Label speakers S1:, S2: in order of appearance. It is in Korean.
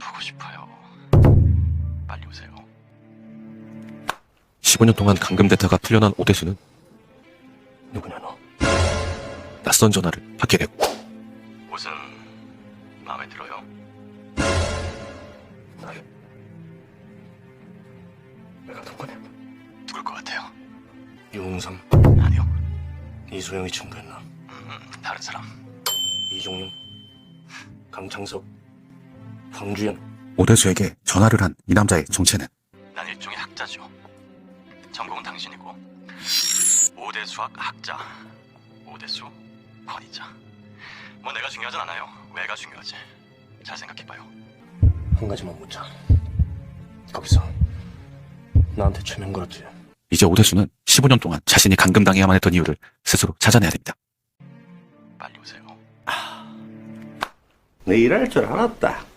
S1: 보고 싶어요. 빨리 오세요.
S2: 15년 동안 감금됐다가 풀려난 오대수는
S1: 누구냐 너?
S2: 낯선 전화를 받게 되고
S1: 옷은 마음에 들어요?
S3: 내가 누구냐?
S1: 누굴 것 같아요?
S3: 유홍삼,
S1: 아니요.
S3: 이소영이 친구였나?
S1: 다른 사람.
S3: 이종용, 강창석, 황주연.
S2: 오대수에게 전화를 한 이 남자의 정체는
S1: 난 일종의 학자죠. 전공은 당신이고 오대수학 학자. 오대수 권위자. 뭐 내가 중요하진 않아요. 왜가 중요하지. 잘 생각해봐요.
S3: 한 가지만 묻자. 거기서 나한테 최면 걸었지?
S2: 이제 오대수는 15년 동안 자신이 감금당해야만 했던 이유를 스스로 찾아내야 됩니다.
S1: 빨리 오세요.
S3: 내 일할 줄 알았다.